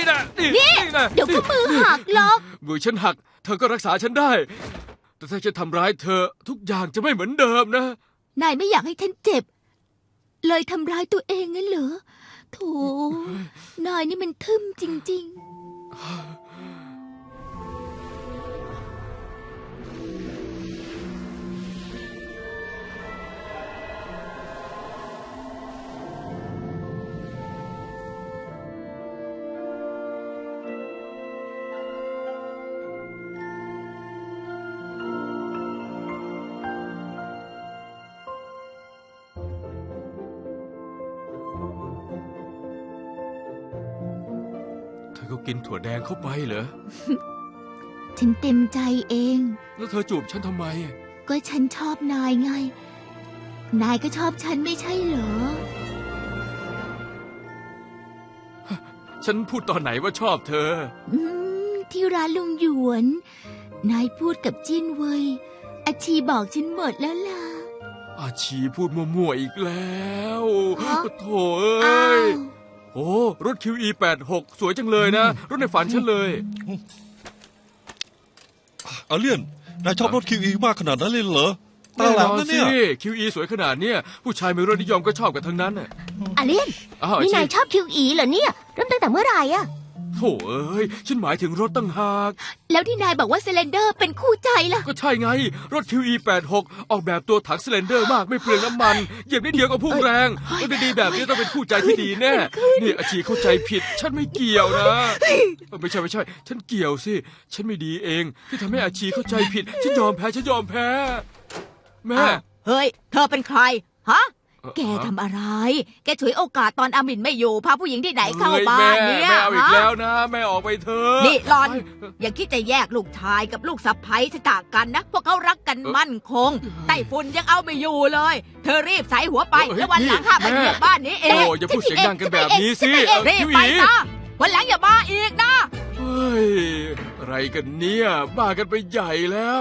นะนี่นะเดี๋ยวก็มือหักหรอกมือฉันหักเธอก็รักษาฉันได้แต่ถ้าฉันทำร้ายเธอทุกอย่างจะไม่เหมือนเดิมนะนายไม่อยากให้ฉันเจ็บเลยทำร้ายตัวเองงั้นเหรอโธ่นายนี่มันทึ่มจริงๆเธอก็กินถั่วแดงเข้าไปเหรอฉันเต็มใจเองแล้วเธอจูบฉันทำไมก็ฉันชอบนายไง นายก็ชอบฉันไม่ใช่เหรอฉันพูดตอนไหนว่าชอบเธอที่ร้านลุงหยวน นายพูดกับจิ้นเว่ยอาชีบอกฉันหมดแล้วล่ะอาชีพูดมั่วๆอีกแล้วฮะโถ่เอ้อ้ายว โอ้รถ QE86 สวยจังเลยนะ รถในฝันฉันเลยอาเลียนนายชอบรถคิวอีมากขนาดนั้นเลยเหรอตาแหลมนะเนี่ยสิ QE สวยขนาดเนี้ยผู้ชายมีรสนิยมก็ชอบกันทั้งนั้นน่ะอาเลียนอ้าวนี่นายอาชีชอบคิวอีเหรอเนี่ยเริ่มตั้งแต่เมื่อไหร่อะโถ่เอ้ยฉันหมายถึงรถตั้งหากแล้วที่นายบอกว่าเซเลนเดอร์เป็นคู่ใจล่ะก็ใช่ไง รถ QE86 ออกแบบตัวถังซิเลนเดอร์มากไม่เปลืองน้ำมันเหยียบนิดเดียวก็พุ่งแรงรถดีๆแบบนี้ต้องเป็นคู่ใจที่ดีแน่นี่อาชีเข้าใจผิด ฉันไม่เกี่ยวนะไม่ใช่ ฉันเกี่ยวสิ ฉันไม่ดีเองที่ทำให้อาชีเข้าใจผิด ฉันยอมแพ้ แม่เฮ้ย เธอเป็นใคร ฮะ แกทำอะไร แกฉวยโอกาสตอนอามินไม่อยู่พาผู้หญิงที่ไหนเข้าบ้านเนี่ยแม่เอาอีกฮะแล้วนะ แม่ออกไปเถอะนี่หลอนไปอย่าคิดจะแยกลูกชายกับลูกสะใภ้จากกันนะ พวกเขารักกันมั่นคง ไต้ฝุ่นยังเอาไม่อยู่เลย เธอรีบใส่หัวไป แล้ววันหลังห้ามมาเหยียบบ้านนี้เอโอ้งอย่าพูดเสียงดังกันแบบนี้สิรีบพี่หไปวีนะวันหลังอย่ามาอีกนะเฮ้ยอะไรกันเนี่ยบ้ากันไปใหญ่แล้ว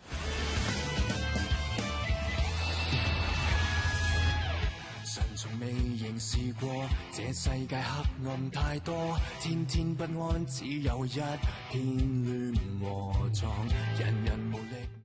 曾從未凝視過，這世界黑暗太多，天天不安，只有一片亂和撞，人人無力。